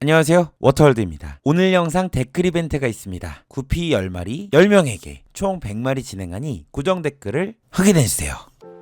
안녕하세요, 워터월드입니다. 오늘 영상 댓글 이벤트가 있습니다. 구피 10마리 10명에게 총 100마리 진행하니 고정 댓글을 확인해주세요.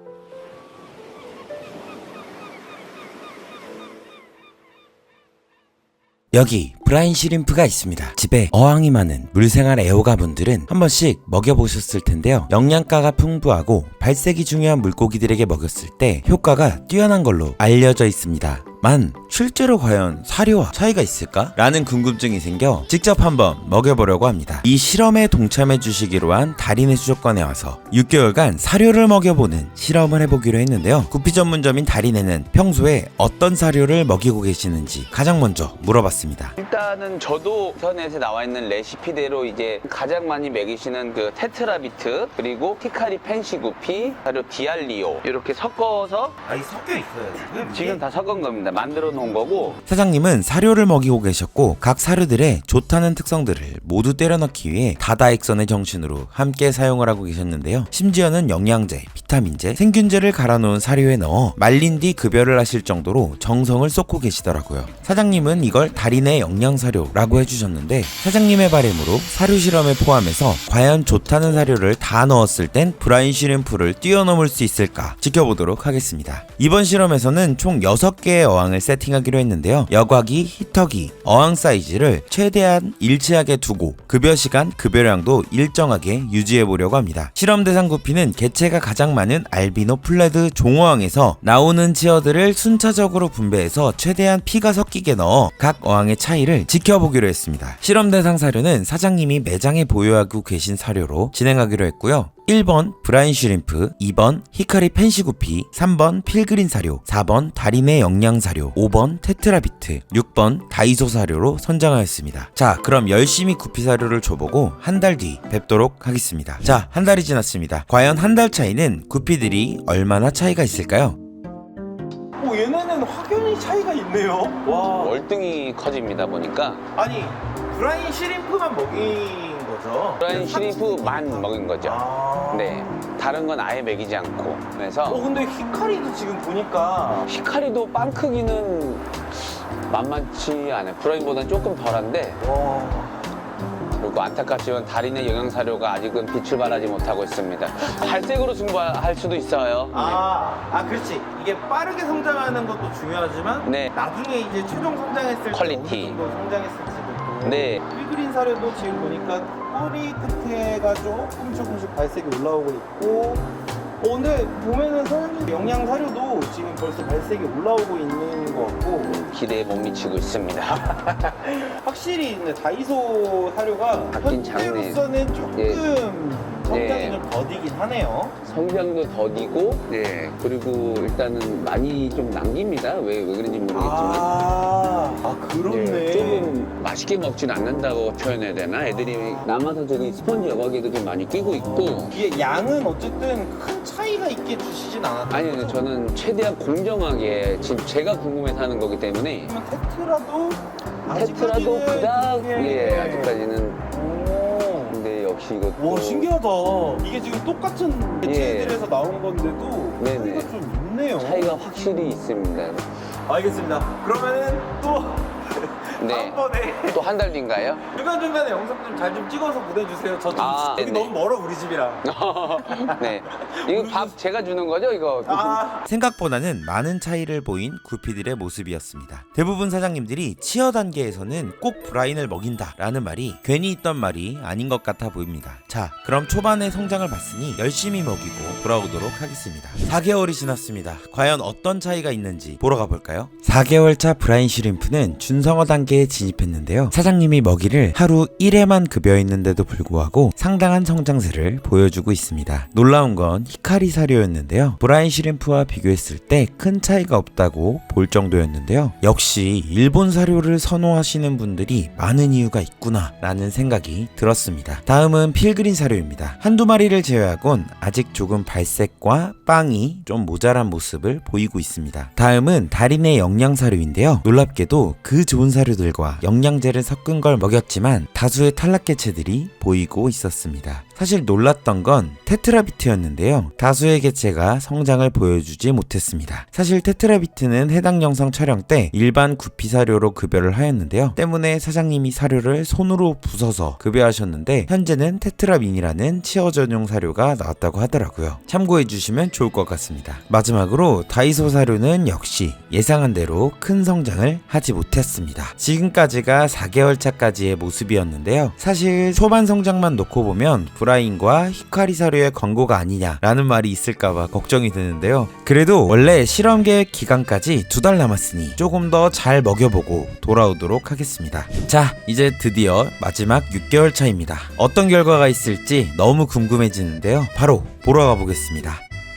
여기 브라인 시림프가 있습니다. 집에 어항이 많은 물생활 애호가분들은 한 번씩 먹여보셨을 텐데요. 영양가가 풍부하고 발색이 중요한 물고기들에게 먹였을 때 효과가 뛰어난 걸로 알려져 있습니다. 만 실제로 과연 사료와 차이가 있을까? 라는 궁금증이 생겨 직접 한번 먹여보려고 합니다. 이 실험에 동참해 주시기로 한 달인의 수족관에 와서 6개월간 사료를 먹여보는 실험을 해보기로 했는데요. 구피 전문점인 달인에는 평소에 어떤 사료를 먹이고 계시는지 가장 먼저 물어봤습니다. 일단은 저도 인터넷에 나와 있는 레시피대로 이제 가장 많이 먹이시는 그 테트라비트, 그리고 히카리 펜시 구피, 사료 디알리오 이렇게 섞어서 이 섞여 있어요 지금 다 섞은 겁니다. 만들어 놓은 거고. 사장님은 사료를 먹이고 계셨고 각 사료들의 좋다는 특성들을 모두 때려 넣기 위해 다다익선의 정신으로 함께 사용을 하고 계셨는데요. 심지어는 영양제, 비타민제, 생균제를 갈아 놓은 사료에 넣어 말린 뒤 급여를 하실 정도로 정성을 쏟고 계시더라고요. 사장님은 이걸 달인의 영양사료라고 해주셨는데, 사장님의 바람으로 사료 실험에 포함해서 과연 좋다는 사료를 다 넣었을 땐 브라인 시림프를 뛰어넘을 수 있을까 지켜보도록 하겠습니다. 이번 실험에서는 총 6개의 어항을 세팅하기로 했는데요. 여과기, 히터기, 어항 사이즈를 최대한 일치하게 두고 급여 시간, 급여량도 일정하게 유지해보려고 합니다. 실험 대상 구피는 개체가 가장 많은 알비노 플레드 종어항에서 나오는 치어들을 순차적으로 분배해서 최대한 피가 섞이게 넣어 각 어항의 차이를 지켜보기로 했습니다. 실험 대상 사료는 사장님이 매장에 보유하고 계신 사료로 진행하기로 했고요. 1번 브라인 슈림프, 2번 히카리 펜시 구피, 3번 필그린 사료, 4번 달인의 영양 사료, 5번 테트라비트, 6번 다이소 사료로 선정하였습니다. 자, 그럼 열심히 구피 사료를 줘보고 한 달 뒤 뵙도록 하겠습니다. 자, 한 달이 지났습니다. 과연 한 달 차이는 구피들이 얼마나 차이가 있을까요? 오, 얘네는 확연히 차이가 있네요. 와. 월등히 커집니다 보니까. 아니, 브라인 시림프만 먹인 거죠? 브라인 시림프만 먹인 거죠. 아. 네, 다른 건 아예 먹이지 않고. 그래서 근데 히카리도 지금 보니까 히카리도 빵 크기는 만만치 않아요. 브라인보다는 조금 덜한데, 와. 그리고 안타깝지만 달인의 영양사료가 아직은 빛을 발하지 못하고 있습니다. 발색으로 승부할 수도 있어요. 그렇지. 이게 빠르게 성장하는 것도 중요하지만 네. 나중에 이제 최종 성장했을 때 퀄리티. 어느 정도 성장했을지도 또. 네. 필그린 사료도 지금 보니까 꼬리 끝에가 조금씩 발색이 올라오고 있고, 근데 보면은 사장님 영양 사료도 지금 벌써 발색이 올라오고 있는 것 같고. 기대에 못 미치고 있습니다. 확실히 근데 다이소 사료가 바뀐 장르. 현재로서는 조금 성장이 네. 좀 더디긴 하네요. 성장도 더디고, 네. 그리고 일단은 많이 좀 남깁니다. 왜 그런지 모르겠지만. 그렇네. 네, 조금 맛있게 먹진 않는다고 표현해야 되나? 애들이 남아서 저기 스펀지 여과기도 좀 많이 끼고 있고. 이게 양은 어쨌든 큰 차이가 있게 주시진 않았던 아니, 거죠? 저는 최대한 공정하게 지금 제가 궁금해서 하는 거기 때문에. 그러면 테트라도 테트라도 그닥, 그게- 아직까지는. 오. 근데 역시 이것도. 와, 신기하다. 이게 지금 똑같은 개체들에서 나온 건데도 네네. 차이가 좀 있네요. 차이가 확실히 있습니다. 알겠습니다. 그러면은 또 네. 다음번에 또 한 달 뒤인가요? 중간중간에 영상 좀 잘 좀 찍어서 보내주세요. 저 좀 여기 네네. 너무 멀어, 우리 집이랑. 네. 이거 밥 제가 주는 거죠, 이거? 생각보다는 많은 차이를 보인 구피들의 모습이었습니다. 대부분 사장님들이 치어 단계에서는 꼭 브라인을 먹인다 라는 말이 괜히 있던 말이 아닌 것 같아 보입니다. 자, 그럼 초반의 성장을 봤으니 열심히 먹이고 돌아오도록 하겠습니다. 4개월이 지났습니다. 과연 어떤 차이가 있는지 보러 가볼까요? 4개월 차 브라인 시림프는 준성어 단계에 진입했는데요. 사장님이 먹이를 하루 1회만 급여했는데도 불구하고 상당한 성장세를 보여주고 있습니다. 놀라운 건 히카리 사료였는데요. 브라인 시림프와 비교했을 때 큰 차이가 없다고 볼 정도였는데요. 역시 일본 사료를 선호하시는 분들이 많은 이유가 있구나 라는 생각이 들었습니다. 다음은 필그린 사료입니다. 한두 마리를 제외하곤 아직 조금 발색과 빵이 좀 모자란 모습을 보이고 있습니다. 다음은 달인의 영양 사료인데요. 놀랍게도 그 좋은 사료들과 영양제를 섞은 걸 먹였지만 다수의 탈락 개체들이 보이고 있었습니다. 사실 놀랐던 건 테트라비트였는데요. 다수의 개체가 성장을 보여주지 못했습니다. 사실 테트라비트는 해당 영상 촬영 때 일반 구피 사료로 급여를 하였는데요. 때문에 사장님이 사료를 손으로 부숴서 급여하셨는데 현재는 테트라민이라는 치어 전용 사료가 나왔다고 하더라고요. 참고해 주시면 좋을 것 같습니다. 마지막으로 다이소 사료는 역시 예상한 대로 큰 성장을 하지 못했습니다. 지금까지가 4개월 차까지의 모습이었는데요. 사실 초반 성장만 놓고 보면 브라인과 히카리 사료의 광고가 아니냐라는 말이 있을까봐 걱정이 드는데요. 그래도 원래 실험 계획 기간까지 2달 남았으니 조금 더 잘 먹여보고 돌아오도록 하겠습니다. 자, 이제 드디어 마지막 6개월 차입니다. 어떤 결과가 있을지 너무 궁금해지는데요. 바로 보러 가보겠습니다.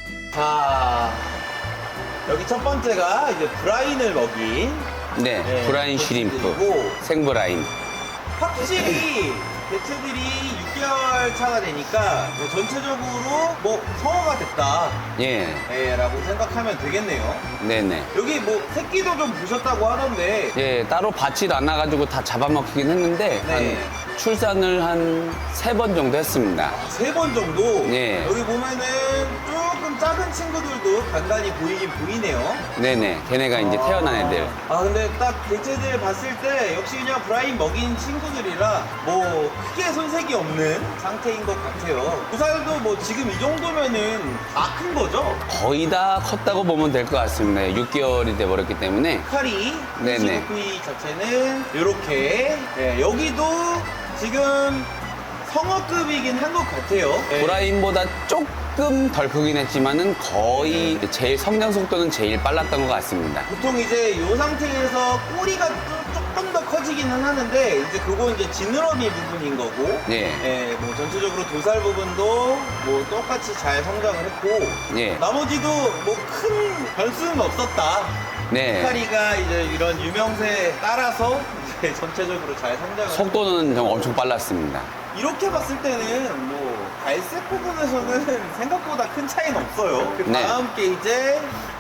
자, 여기 첫 번째가 이제 브라인을 먹인 네, 브라인 쉬림프, 그리고 생브라인. 확실히 개체들이 6개월 차가 되니까 뭐 전체적으로 뭐 성화가 됐다 예, 라고 생각하면 되겠네요. 네네. 여기 뭐 새끼도 좀 보셨다고 하던데 예, 따로 받질 않아가지고 다 잡아먹히긴 했는데 네. 한 출산을 한 3번 정도 했습니다. 3번 정도. 예. 여기 보면은 조금 작은 친구들도 간간히 보이긴 보이네요. 네네, 걔네가 이제 태어난 애들. 근데 딱 개체들 봤을 때 역시 그냥 브라인 먹인 친구들이라 뭐 크게 손색이 없는 상태인 것 같아요. 부살도 뭐 지금 이 정도면은 다 큰 거죠? 거의 다 컸다고 보면 될 것 같습니다. 6개월이 돼버렸기 때문에. 카리, 네네. CVP 자체는 이렇게 여기도 지금 성어급이긴 한 것 같아요. 브라인보다 조금 덜 크긴 했지만은 거의 제일 성장 속도는 제일 빨랐던 것 같습니다. 보통 이제 이 상태에서 꼬리가 조금 더 커지기는 하는데 이제 그건 이제 지느러미 부분인 거고 예. 뭐 전체적으로 도살 부분도 뭐 똑같이 잘 성장을 했고 예. 나머지도 뭐 큰 변수는 없었다. 네. 히카리가 이제 이런 유명세에 따라서 이제 전체적으로 잘 성장을 속도는 좀 엄청 빨랐습니다. 이렇게 봤을 때는 뭐 발색 부분에서는 생각보다 큰 차이는 없어요. 그 네. 다음 게 이제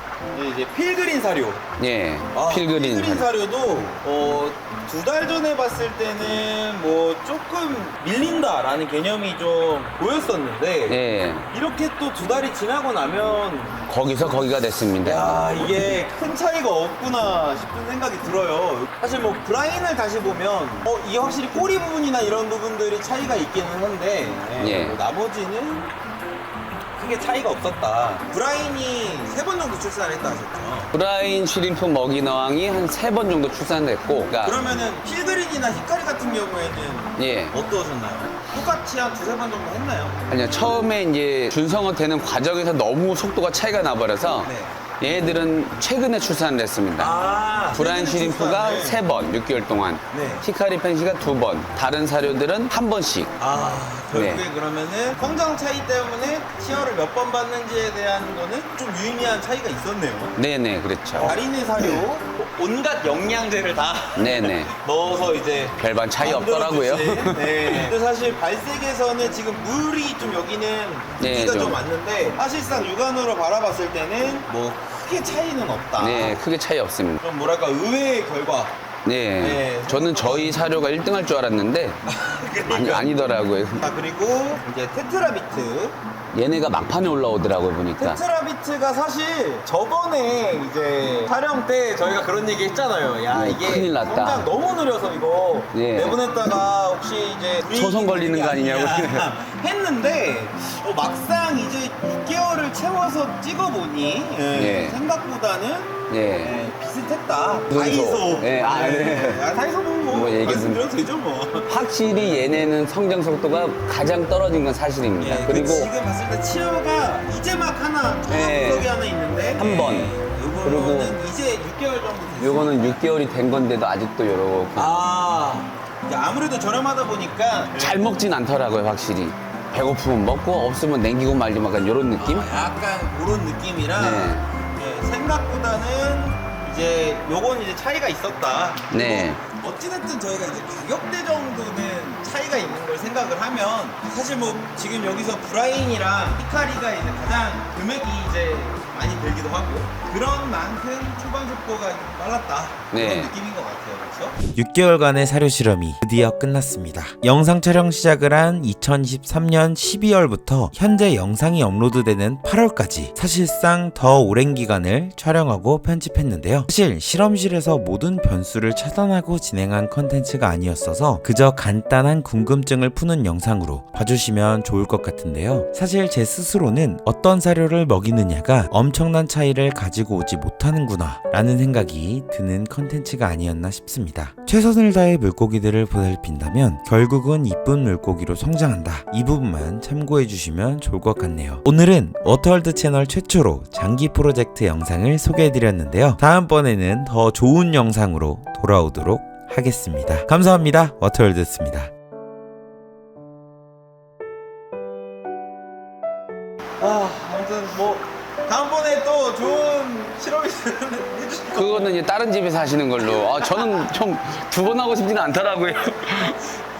필그린 사료. 예. 필그린 필그린. 사료도 2달 전에 봤을 때는 뭐 조금 밀린다라는 개념이 좀 보였었는데 예. 이렇게 또 2달이 지나고 나면 거기서 거기가 됐습니다. 야 이게 큰 차이가 없구나 싶은 생각이 들어요. 사실 뭐 브라인을 다시 보면 이게 확실히 꼬리 부분이나 이런 부분들이 차이가 있기는 한데 예. 뭐 나머지는 크게 차이가 없었다. 브라인이 3번 정도 출산을 했다 하셨죠? 브라인 쉬림프 먹인 어항이 한 3번 정도 출산됐고, 그러니까 그러면은 필그린이나 히카리 같은 경우에는 예. 어떠셨나요? 똑같이 한 2-3번 정도 했나요? 아니요, 처음에 이제 준성어 되는 과정에서 너무 속도가 차이가 나버려서 네. 얘들은 최근에 출산을 했습니다. 브라인 쉬림프가 3번, 6개월 동안. 네. 히카리 펜시가 2번. 다른 사료들은 1번씩. 결국에 네. 그러면은 성장 차이 때문에 치어를 몇 번 받는지에 대한 거는 좀 유의미한 차이가 있었네요. 네네, 그렇죠. 달인의 사료, 온갖 영양제를 다 네네. 넣어서 이제 별반 차이 없더라고요. 만들어주신. 네. 근데 사실 발색에서는 지금 물이 좀 여기는 네, 물기가 좀 좀. 많는데 사실상 육안으로 바라봤을 때는 뭐 크게 차이는 없다. 네, 크게 차이 없습니다. 좀 뭐랄까 의외의 결과. 네. 네. 저는 저희 사료가 1등 할 줄 알았는데, 아니더라고요. 자 그리고 이제 테트라비트. 얘네가 막판에 올라오더라고요, 보니까. 테트라비트가 사실 저번에 이제 촬영 때 저희가 그런 얘기 했잖아요. 야, 네, 이게 큰일 났다. 성장 너무 느려서 이거 네. 내보냈다가 혹시 이제 초선 걸리는 거 아니냐고. 했는데 막상 이제 6개월을 채워서 찍어보니 네. 생각보다는 네. 비슷했다. 무슨 다이소. 소? 네, 다이소 뭐 뭐 얘기 말씀드려도 되죠 뭐. 확실히 얘네는 성장 속도가 가장 떨어진 건 사실입니다. 예, 그리고 지금 봤을 때 치어가 이제 막 하나 네. 구석이 하나 있는데 한 번. 요거는 그리고 이제 6개월 정도 됐어요. 요거는 6개월이 된 건데도 아직도 요렇게 이제 아무래도 저렴하다 보니까 잘 먹진 않더라고요, 확실히. 배고프면 먹고 없으면 냉기고 말지 약간 요런 느낌? 약간 그런 느낌이라 네. 생각보다는 이제 요건 이제 차이가 있었다. 네. 어찌됐든 저희가 이제 가격대 정도는 차이가 있는 걸 생각을 하면 사실 뭐 지금 여기서 브라인이랑 히카리가 이제 가장 금액이 이제 많이 들기도 하고 그런 만큼 초반 속도가 좀 빨랐다 네. 그런 느낌인 것 같아요. 그렇죠? 6개월간의 사료 실험이 드디어 끝났습니다. 영상 촬영 시작을 한 2023년 12월부터 현재 영상이 업로드되는 8월까지 사실상 더 오랜 기간을 촬영하고 편집했는데요. 사실 실험실에서 모든 변수를 차단하고 진행한 컨텐츠가 아니었어서 그저 간단한 궁금증을 푸는 영상으로 봐주시면 좋을 것 같은데요. 사실 제 스스로는 어떤 사료를 먹이느냐가 엄청난 차이를 가지고 오지 못하는구나 라는 생각이 드는 컨텐츠가 아니었나 싶습니다. 최선을 다해 물고기들을 보살핀다면 결국은 이쁜 물고기로 성장한다. 이 부분만 참고해 주시면 좋을 것 같네요. 오늘은 워터월드 채널 최초로 장기 프로젝트 영상을 소개해 드렸는데요. 다음번에는 더 좋은 영상으로 돌아오도록 하겠습니다. 감사합니다. 워터월드였습니다. 아무튼 뭐 다음번에 또 좋은 실험이 해주실 거 그거는 이제 다른 집에서 하시는 걸로. 저는 좀 두 번 하고 싶지는 않더라고요.